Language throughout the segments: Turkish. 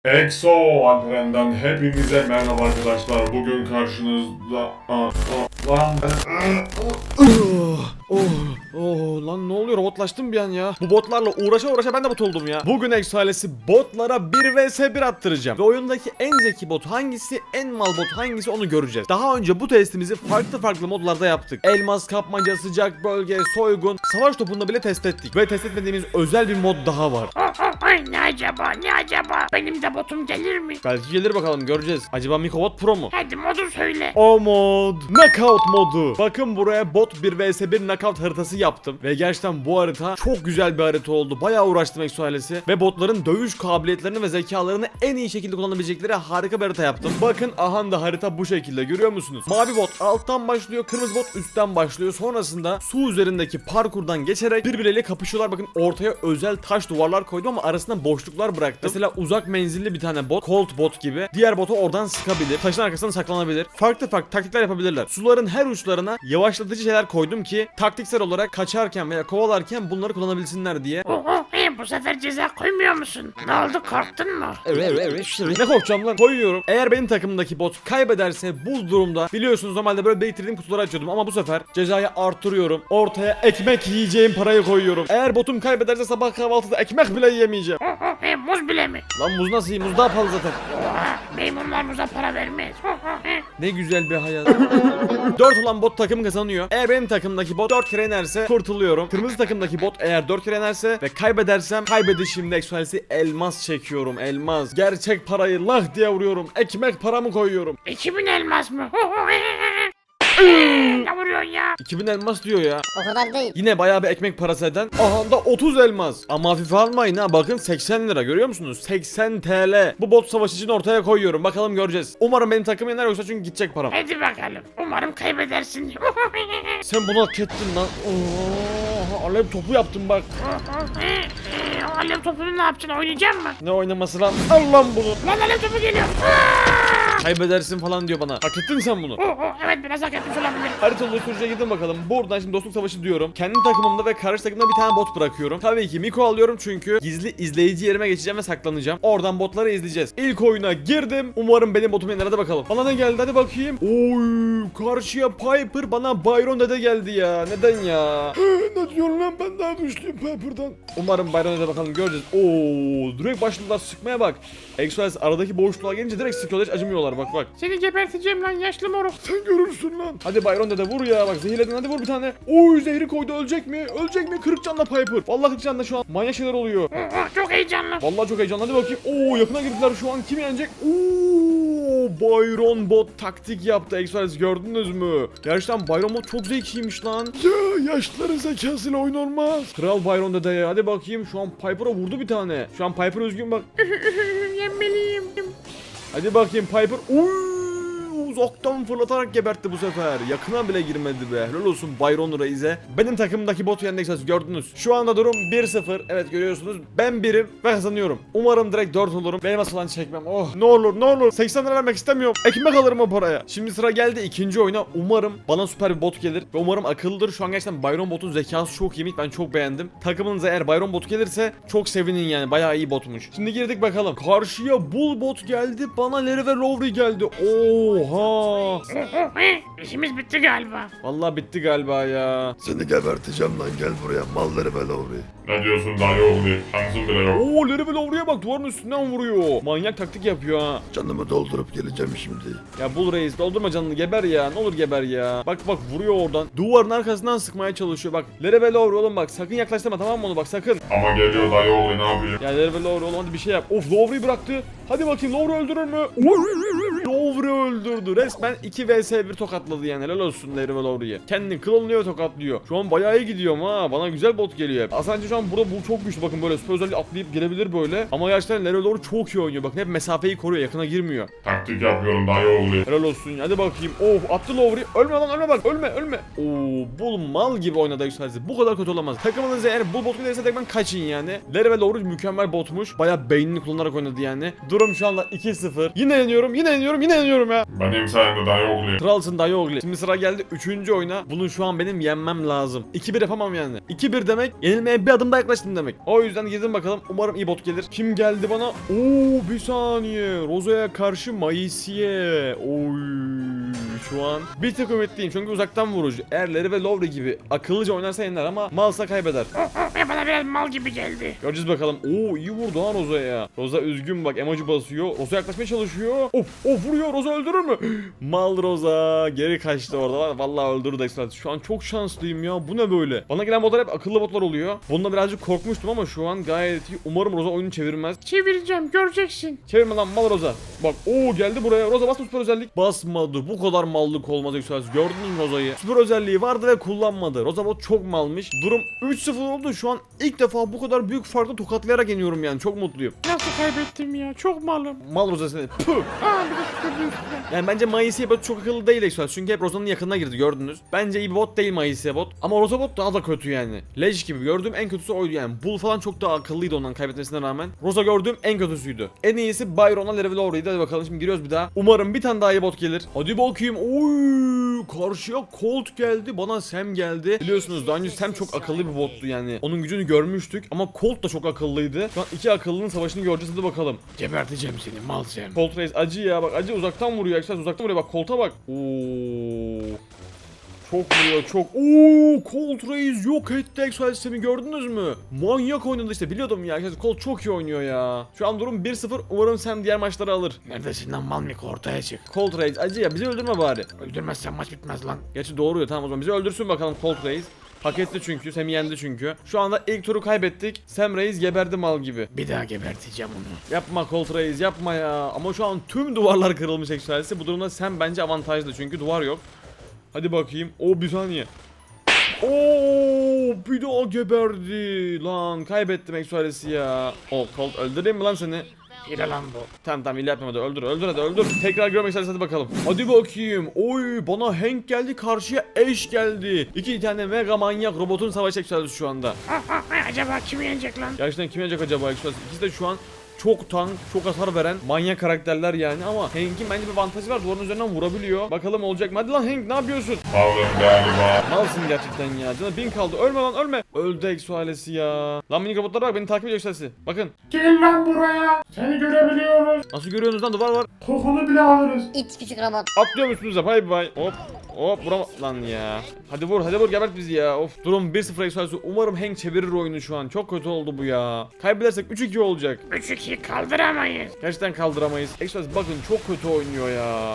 EXO Alperen'den hepinize merhaba arkadaşlar. Bugün karşınızda... Lan Lan ne oluyor, robotlaştım bir an ya. Bu botlarla uğraşa ben de bot oldum ya. Bugün EXO ailesi botlara 1 vs 1 attıracağım. Ve oyundaki en zeki bot hangisi, en mal bot hangisi onu göreceğiz. Daha önce bu testimizi farklı modlarda yaptık. Elmas kapmaca, sıcak bölge, soygun, savaş topunda bile test ettik. Ve test etmediğimiz özel bir mod daha var. Ay ne acaba benim de botum gelir mi? Belki gelir, bakalım göreceğiz. Acaba Mikobot Pro mu? Hadi modu söyle. O mod Knockout modu. Bakın buraya bot 1 vs 1 knockout haritası yaptım. Ve gerçekten bu harita çok güzel bir harita oldu. Bayağı uğraştım EXO ailesi. Ve botların dövüş kabiliyetlerini ve zekalarını en iyi şekilde kullanabilecekleri harika bir harita yaptım. Bakın aha da harita bu şekilde, görüyor musunuz? Mavi bot alttan başlıyor, kırmızı bot üstten başlıyor. Sonrasında su üzerindeki parkurdan geçerek birbirleriyle kapışıyorlar. Bakın ortaya özel taş duvarlar koydum ama arasında boşluklar bıraktım. Mesela uzak menzilli bir tane bot, Colt bot gibi. Diğer botu oradan sıkabilir. Taşın arkasından saklanabilir. Farklı taktikler yapabilirler. Suların her uçlarına yavaşlatıcı şeyler koydum ki taktiksel olarak kaçarken veya kovalarken bunları kullanabilsinler diye. Bu sefer ceza koymuyor musun? Ne oldu, korktun mu? Evet. Ne korkacağım lan? Koyuyorum. Eğer benim takımdaki bot kaybederse bu durumda, biliyorsunuz normalde böyle biriktirdiğim kutuları açıyordum ama bu sefer cezayı artırıyorum. Ortaya ekmek yiyeceğim parayı koyuyorum. Eğer botum kaybederse sabah kahvaltıda ekmek bile yiyemeyeceğim. Muz bile mi? Lan muz nasıl yiyeyim? Muz daha pahalı zaten. Maymunlar muza para vermez. Ne güzel bir hayat. 4 olan bot takım kazanıyor. Eğer benim takımdaki bot 4 kere inerse kurtuluyorum. Kırmızı takımdaki bot eğer 4 kere inerse ve kaybedersem kaybedişimde eksualesi elmas çekiyorum. Elmas. Gerçek parayı lah diye vuruyorum. Ekmek paramı koyuyorum. 2000 elmas mı? Ne vuruyorsun ya? 2000 elmas diyor ya. O kadar değil. Yine bayağı bir ekmek parası eden. Aha da 30 elmas. Ama hafife almayın ha. Bakın 80 lira, görüyor musunuz? 80 TL. Bu bot savaşı için ortaya koyuyorum. Bakalım göreceğiz. Umarım benim takım yener, yoksa çünkü gidecek param. Hadi bakalım. Umarım kaybedersin. Sen bunu hak ettin lan. Oo, alev topu yaptım bak. Alev topunu ne yapacaksın? Oynayacak mı? Ne oynaması lan? Al lan bunu. Lan alev topu geliyor. Kaybedersin falan diyor bana. Hak ettin sen bunu. Evet, biraz hak etmiş olabilir. Harita oluşturucuya gidin bakalım. Buradan şimdi dostluk savaşı diyorum. Kendi takımımda ve karşı takımda bir tane bot bırakıyorum. Tabii ki Miko alıyorum çünkü gizli izleyici yerime geçeceğim ve saklanacağım. Oradan botları izleyeceğiz. İlk oyuna girdim. Umarım benim botum yener, hadi bakalım. Bana ne geldi, hadi bakayım. Oy, karşıya Piper, bana Byron dede geldi ya. Neden ya? Ne diyorsun lan, ben daha güçlüyüm Piper'dan. Umarım Byron dede, bakalım göreceğiz. Oo, direkt başladılar sıkmaya bak. Exodus aradaki boşluğa gelince direkt sıkıyorlar, hiç acımıyorlar bak. Seni geberteceğim lan yaşlı moruk. Sen görürsün lan. Hadi Byron dede vur ya, bak zehirledin, hadi vur bir tane. Oy, zehri koydu, ölecek mi? Ölecek mi? 40 canla Piper. Vallahi 40 canla şu an. Manyak şeyler oluyor. Çok heyecanlı. Vallahi çok heyecanlı, hadi bakayım. Oo, yakına girdiler şu an, kim yenecek? Oo, Byron bot taktik yaptı. Exodus gördünüz mü? Gerçekten Byron bot çok zekiymiş lan. Ya yaşlıların zekasıyla oyun olmaz. Kral Byron dede ya, hadi bakayım. Şu an Piper'a vurdu bir tane. Şu an Piper üzgün bak. Yenmeliyim. Hadi bakayım Piper. Uzaktan fırlatarak gebertti bu sefer. Yakına bile girmedi be. Helal olsun Byron Reis'e. Benim takımdaki botu yendi, gördünüz. Şu anda durum 1-0. Evet, görüyorsunuz. Ben birim ve kazanıyorum. Umarım direkt 4 olurum. Benim falan çekmem. Oh, ne olur. 80 lira vermek istemiyorum. Ekmek alırım o paraya. Şimdi sıra geldi ikinci oyuna. Umarım bana süper bir bot gelir. Ve umarım akıllıdır. Şu an gerçekten Byron botun zekası çok iyiymiş. Ben çok beğendim. Takımınıza eğer Byron bot gelirse çok sevinin yani. Bayağı iyi botmuş. Şimdi girdik bakalım. Karşıya Bull bot geldi. Bana Larry ve Lowry geldi. Oha. İşimiz bitti galiba. Vallahi bitti galiba ya. Seni geberteceğim lan, gel buraya malları ve Lowry. ne diyorsun dayı oğlu? Şansın bile yok. Oo, Larry ve Lowry'e bak, duvarın üstünden vuruyor. Manyak taktik yapıyor ha. Canımı doldurup geleceğim şimdi. Ya Bull Reis, doldurma canını, geber ya. Ne olur geber ya. Bak vuruyor oradan. Duvarın arkasından sıkmaya çalışıyor bak. Larry ve Lowry oğlum bak, sakın yaklaştırma, tamam mı onu, bak sakın. Ama geliyor dayı oğlu, ne yapayım? Ya Larry ve Lowry oğlum, hadi bir şey yap. Of, Lowry'yi bıraktı. Hadi bakayım, Lowry öldürür mü? Lowry öldürdü. Resmen 2 vs 1 tokatladı yani. Helal olsun Larry ve Lowry'ye. Kendini klonluyor, tokatlıyor. Şu an bayağı iyi gidiyorum ha. Bana güzel bot geliyor hep. Aslında şu an burada bu çok güçlü, bakın böyle süper özelliği atlayıp gelebilir böyle. Ama gerçekten Larry ve Lowry çok iyi oynuyor. Bakın hep mesafeyi koruyor, yakına girmiyor. Taktik yapıyorum dayı oğlu. Helal olsun. Hadi bakayım. Of, attı Lowry. Ölme lan, ölme bak. Ölme. Oo, Bull mal gibi oynadı yükselsi. Bu kadar kötü olamaz. Takımınız eğer Bull bot gelirse tekrar kaçın yani. Larry ve Lowry mükemmel botmuş. Bayağı beynini kullanarak oynadı yani. Durum şu anda 2-0. Yine yeniyorum. yeniyorum ya. Benim sayemde dayı oğlu. Kralsın dayı oğlu. Şimdi sıra geldi 3. oyuna. Bunu şu an benim yenmem lazım. 2-1 yapamam yani. 2-1 demek yenilmeye bir adım daha yaklaştım demek. O yüzden girdim bakalım. Umarım iyi bot gelir. Kim geldi bana? Oo bir saniye. Roza'ya karşı Maisiye. Oy. Şu an bir tek ümitliyim çünkü uzaktan vurucu. Eğer Larry ve Lowry gibi akıllıca oynarsa yener ama malsa kaybeder. Ve bana biraz mal gibi geldi. Göreceğiz bakalım. Oo iyi vurdu ha Roza'ya. Roza üzgün bak, emoji basıyor. Roza yaklaşmaya çalışıyor. Of vuruyor. Roza öldürür mü? Mal Roza geri kaçtı orada. Vallahi öldürdü Express. Şu an çok şanslıyım ya. Bu ne böyle? Bana gelen botlar hep akıllı botlar oluyor. Bununla birazcık korkmuştum ama şu an gayet iyi. Umarım Roza oyunu çevirmez. Çevireceğim, göreceksin. Çevirme lan mal Roza. Bak geldi buraya. Roza basma süper özellik. Basmadı. Bu kadar mallık olmaz Express. Gördünüz mü Roza'yı? Süper özelliği vardı ve kullanmadı. Roza bot çok malmış. Durum 3-0 oldu. Şu an ilk defa bu kadar büyük farklı tokatlayarak yeniyorum yani. Çok mutluyum. Nasıl kaybettim ya? Çok malım. Mal Roza seni. Püh. Aa, bir de süpürdü üstüne. Yani bence Maisiye bot çok akıllı değil Express. Çünkü hep Roza'nın yakınına girdi gördünüz. Bence iyi bir bot değil Maisiye bot. Ama Roza bot daha da kötü yani. Leş gibi gördüğüm en kötüsü oydu yani. Bull falan çok daha akıllıydı ondan kaybetmesine rağmen. Roza gördüğüm en kötüsüydü. En iyisi Byron'a Level Lowry'di. Hadi bakalım şimdi giriyoruz bir daha. Umarım bir tane daha iyi bot gelir. Hadi bakayım. Oy! Karşıya Colt geldi. Bana Sam geldi. Biliyorsunuz daha önce Sam çok akıllı bir bottu yani. Onun gücünü görmüştük ama Colt da çok akıllıydı. Şu an iki akıllının savaşını göreceğiz. Hadi bakalım. Geberteceğim seni mal sen. Colt Reis acı ya bak, acı uzaktan vuruyor. Ekstra uzaktan vuruyor bak, Colt'a bak. Oo. Çok vuruyor çok. Colt Reis yok etti Exoal sistemi, gördünüz mü? Manyak oynadı işte, biliyordum ya. Colt çok iyi oynuyor ya. Şu an durum 1-0. Umarım Sam diğer maçları alır. Neredesin lan mal miko, ortaya çık. Colt Reis acı ya, bizi öldürme bari. Öldürmezsen maç bitmez lan. Gerçi doğru ya, tamam o zaman bizi öldürsün bakalım Colt Reis. Hak etti çünkü. Sam'i yendi çünkü. Şu anda ilk turu kaybettik. Sam Reis geberdi mal gibi. Bir daha geberteceğim onu. Yapma Colt Reis yapma ya. Ama şu an tüm duvarlar kırılmış Exoal'si. Bu durumda Sam bence avantajlı çünkü duvar yok. Hadi bakayım. Bir saniye. Bir daha geberdi. Lan kaybettim Exoal'si ya. Colt öldüreyim mi lan seni? Hile lan bu. Tamam hile yapma, hadi öldür hadi öldür. Tekrar görmek isteriz, hadi bakalım. Hadi bakayım. Bana Hank geldi, karşıya Ash geldi. İki tane mega manyak robotun savaş Exoal'si şu anda. Acaba kim yenecek lan? Gerçekten kim yenecek acaba Exoal'si? İkisi de şu an çok tank, çok hasar veren manyak karakterler yani, ama Hank'in bence bir avantajı var. Duvarın üzerinden vurabiliyor. Bakalım olacak mı? Hadi lan Hank, ne yapıyorsun? Aldım galiba. Malsın gerçekten ya. Canım 1000 kaldı. Ölme lan ölme. Öldü Exo ailesi ya. Lan minik robotlara bak, beni takip ediyor Exo'si. Bakın. Gel lan buraya. Seni görebiliyoruz. Nasıl görüyorsunuz lan, duvar var. Kokunu bile alırız. İt küçük robot. Atlıyorum üstünüze, bay bay. Hop vurama lan ya. Hadi vur gebert bizi ya. Of, durum 1-0 Exo'si. Umarım Hank çevirir oyunu şu an. Çok kötü oldu bu ya. Kaybedersek 3-2 olacak. 3-2 kaldıramayız. Gerçekten kaldıramayız. Exo'si bakın çok kötü oynuyor ya.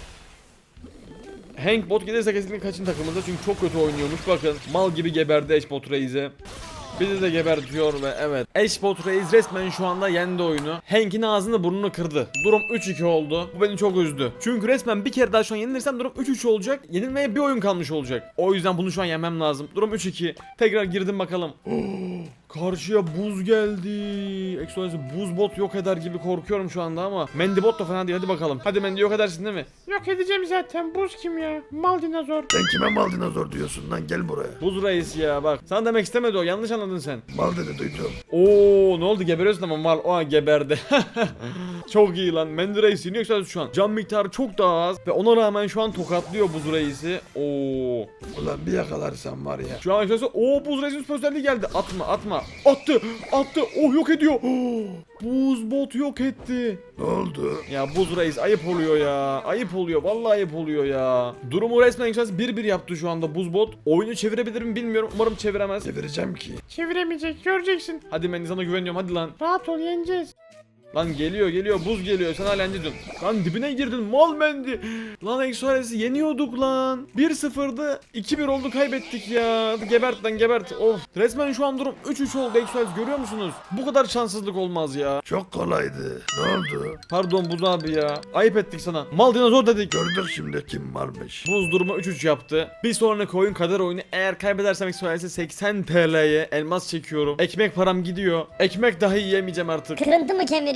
Hank bot gelirse kesinlikle kaçın takımında çünkü çok kötü oynuyormuş. Bakın mal gibi geberdi Ash bot Reis'e. Bizi de gebertiyor ve evet. Ash bot Reis resmen şu anda yendi oyunu. Hank'in ağzını burnunu kırdı. Durum 3-2 oldu. Bu beni çok üzdü. Çünkü resmen bir kere daha şu an yenilirsem durum 3-3 olacak. Yenilmeye bir oyun kalmış olacak. O yüzden bunu şu an yenmem lazım. Durum 3-2. Tekrar girdim bakalım. Karşıya buz geldi. Exoal'si buz bot yok eder gibi korkuyorum şu anda ama Mandy bot da fena değil. Hadi bakalım. Hadi Mandy yok edersin değil mi? Yok edeceğim zaten. Buz kim ya? Mal dinozor. Sen kime mal dinozor diyorsun lan, gel buraya. Buz Reis ya bak. Sana demek istemedi o. Yanlış anladın sen. Mal dedi, duydum. Ne oldu, geberiyorsun ama mal geberdi. Çok iyi lan. Mandy Reis yeniyor Exoal'si şu an. Can miktarı çok daha az ve ona rağmen şu an tokatlıyor Buz Reis'i. Ulan bir yakalarsam var ya. Şu an Exoal'si Buz Reis'in süper özelliği geldi. Atma. Attı. Yok ediyor. Buz bot yok etti. Ne oldu? Ya Buz Reis ayıp oluyor ya. Ayıp oluyor. Vallahi ayıp oluyor ya. Durumu resmen Exoal'si 1-1 yaptı şu anda Buz bot. Oyunu çevirebilir mi bilmiyorum. Umarım çeviremez. Çevireceğim ki. Çeviremeyecek, göreceksin. Hadi ben sana güveniyorum, hadi lan. Rahat ol, yeneceğiz. Lan geliyor buz geliyor, sen hala yendin. Lan dibine girdin mal Mendi. Lan Exoal'si yeniyorduk lan. 1-0'dı 2-1 oldu, kaybettik ya. Hadi gebert lan gebert. Of, resmen şu an durum 3-3 oldu Exoal'si, görüyor musunuz? Bu kadar şanssızlık olmaz ya. Çok kolaydı. Ne oldu? Pardon Buz abi ya. Ayıp ettik sana. Mal dinozor dedik. Gördük şimdi kim varmış. Buz durumu 3-3 yaptı. Bir sonraki oyun kader oyunu. Eğer kaybedersem Exoal'si 80 TL'ye elmas çekiyorum. Ekmek param gidiyor. Ekmek dahi yiyemeyeceğim artık. Kırıntı mı kemiriyor?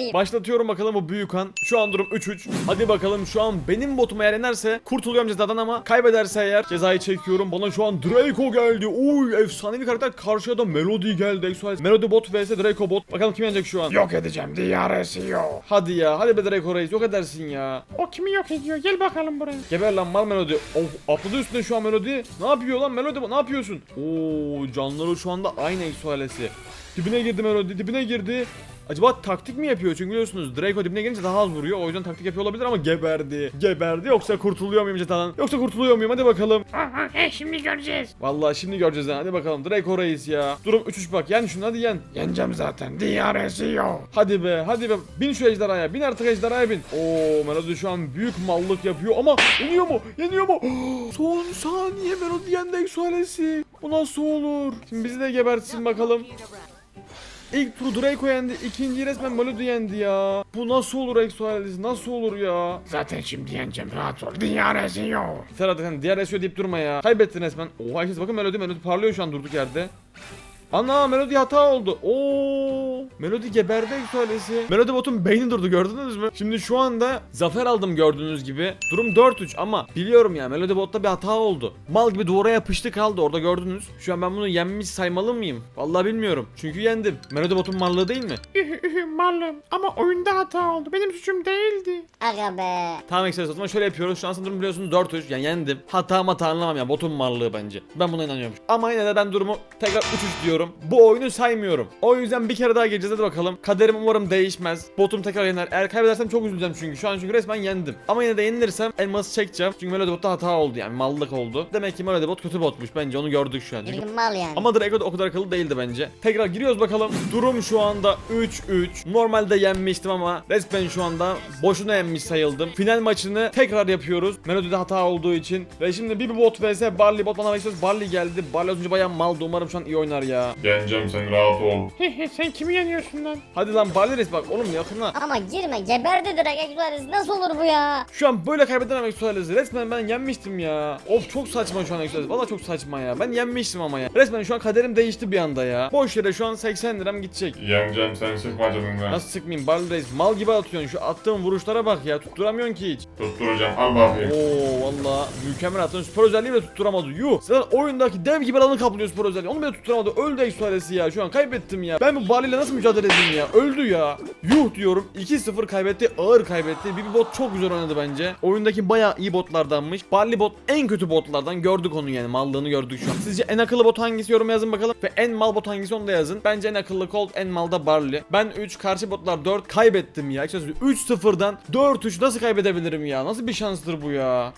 bakayım. Başlatıyorum bakalım bu büyük han. Şu an durum 3-3. Hadi bakalım şu an benim botum eğer yenerse kurtuluyorum cezadan ama kaybederse eğer cezayı çekiyorum. Bana şu an Draco geldi. Oy efsanevi karakter, karşıya da Melody geldi. Exoales. Melody bot vs Draco bot. Bakalım kim yenecek şu an. Yok edeceğim DRS'yo. Hadi ya, hadi be Draco Reis, yok edersin ya. O kimi yok ediyor? Gel bakalım buraya. Geber lan mal Melody. Of, atladı üstüne şu an Melody. Ne yapıyor lan Melody, ne yapıyorsun? Oo, canları şu anda aynı Exoales'i. Dibine girdi Melody, dibine girdi. Acaba taktik mi yapıyor? Çünkü biliyorsunuz Draco dibine gelince daha az vuruyor. O yüzden taktik yapıyor olabilir ama geberdi. Geberdi, yoksa kurtuluyor muyum cezadan? Yoksa kurtuluyor muyum? Hadi bakalım. Aha, şimdi göreceğiz. Vallahi şimdi göreceğiz ha. Hadi bakalım Draco Reis ya. Durum 3-3 bak. Yen şunu, hadi yen. Yeneceğim zaten DRS'yo. Hadi be, hadi be. Bin şu ejderhaya. Bin artık ejderhaya bin. Oo, Melody şu an büyük mallık yapıyor ama yeniyor mu? Yeniyor mu? Son saniye Melody yendi Exoales'i. Bu nasıl olur? Şimdi bizi de gebertsin bakalım. İlk tur Draco yendi, ikinciyi resmen Melody yendi ya. Bu nasıl olur Exoales? Nasıl olur ya? Zaten şimdi yeneceğim, rahat ol DRS'yo. Serhat sen diğer SEO deyip durma ya. Kaybettin resmen. Oha herkes bakın Melody parlıyor şu an durduk yerde. Ana Melody hata oldu. Oo, Melody geberdi Exoales'i. Melody botun beyni durdu, gördünüz mü? Şimdi şu anda zafer aldım gördüğünüz gibi. Durum 4-3 ama biliyorum ya, Melody botta bir hata oldu. Mal gibi duvara yapıştı kaldı orada, gördünüz. Şu an ben bunu yenmiş saymalı mıyım? Vallahi bilmiyorum. Çünkü yendim. Melody botun mallığı değil mi? Malum. Ama oyunda hata oldu. Benim suçum değildi. Aga be. Tamam Exoales, o zaman şöyle yapıyoruz. Şu an durum biliyorsunuz 4-3, yani yendim. Hata anlamam ya, botun mallığı bence. Ben buna inanıyorum. Ama yine de ben durumu tekrar 3-3 diyorum. Bu oyunu saymıyorum. O yüzden bir kere daha geleceğiz, hadi bakalım. Kaderim umarım değişmez. Botum tekrar yener. Eğer kaybedersem çok üzüleceğim çünkü. Şu an çünkü resmen yendim. Ama yine de yenilirsem elması çekeceğim. Çünkü Melody botta hata oldu, yani mallık oldu. Demek ki Melody bot kötü botmuş, bence onu gördük şu an. Çünkü... Bir mal yani. Ama Draco da o kadar akıllı değildi bence. Tekrar giriyoruz bakalım. Durum şu anda 3-3. Normalde yenmiştim ama resmen şu anda boşuna yenmiş sayıldım. Final maçını tekrar yapıyoruz. Melody'de hata olduğu için. Ve şimdi bir bot vs Barley bot bana istiyoruz. Barley geldi. Barley az önce bayağı maldı. Umarım şu an iyi oynar ya. Yeneceğim, sen rahat ol. Sen kimi yeniyorsun lan? Hadi lan Barley Reis, bak oğlum yakına. Ama girme, geberdi direkt Exoales. Nasıl olur bu ya? Şu an böyle kaybedemem Exoales'i. Resmen ben yenmiştim ya. Of, çok saçma şu an Exoales. Valla çok saçma ya. Ben yenmiştim ama ya. Resmen şu an kaderim değişti bir anda ya. Boş yere şu an 80 liram gidecek. Yeneceğim, sen sıkma canını. Nasıl sıkmayayım Barley Reis? Mal gibi atıyorsun. Şu attığın vuruşlara bak ya. Tutturamıyorsun ki hiç. Tutturacağım, al bakayım. Oo valla mükemmel attın. Spor özelliği bile tutturamadı. Yuh. Zaten oyundaki dev gibi alanı kaplıyor spor özelliği. Onu bile tutturamadı. Öldü Exoales'i ya. Şu an kaybettim ya. Ben bu Barley ile nasıl mücadele edeyim ya? Öldü ya. Yuh diyorum. 2-0 kaybetti. Ağır kaybetti. Bir bot çok güzel oynadı bence. Oyundaki bayağı iyi botlardanmış. Barley bot en kötü botlardan. Gördük onu yani. Mallığını gördük şu an. Sizce en akıllı bot hangisi, yoruma yazın bakalım. Ve en mal bot hangisi, onu da yazın. Bence en akıllı Colt, en mal da Barley. Ben 3, karşı botlar 4, kaybettim ya. 3-0'dan 4-3 nasıl kaybedebilirim ya? Nasıl bir şanstır bu ya?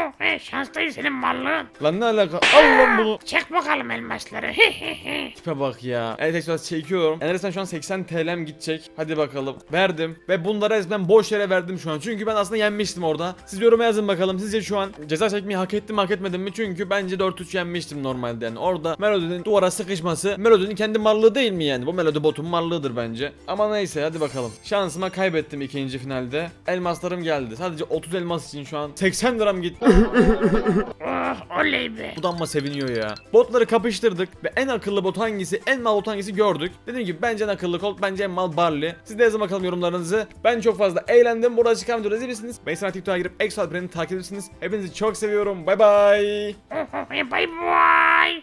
Şans değil senin mallığın. Lan ne alaka? Al lan bunu. Çek bakalım elmasları. Tipe bak ya. Evet Express çekiyorum. Enres'ten şu an 80 TL'm gidecek. Hadi bakalım. Verdim. Ve bunları resmen boş yere verdim şu an. Çünkü ben aslında yenmiştim orada. Siz yoruma yazın bakalım. Sizce şu an ceza çekmeyi hak ettim mi hak etmedim mi? Çünkü bence 4-3 yenmiştim normalde yani. Orada Melody'nin duvara sıkışması Melody'nin kendi mallığı değil mi yani? Bu Melody botun mallığıdır bence. Ama neyse hadi bakalım. Şansıma kaybettim ikinci finalde. Elmaslarım geldi. Sadece 30 elmas için şu an 80 liram gitti. Oh oley be. Budanma seviniyor ya. Botları kapıştırdık ve en akıllı bot hangisi, en mal bot hangisi gördük. Dediğim gibi bence en akıllı Colt, bence en mal Barley. Siz de yazın bakalım yorumlarınızı. Ben çok fazla eğlendim. Burada çıkan videoları izleyebilirsiniz. Mesela TikTok'a girip Exoales'i takip edebilirsiniz. Hepinizi çok seviyorum. Bay bay. Bye bye.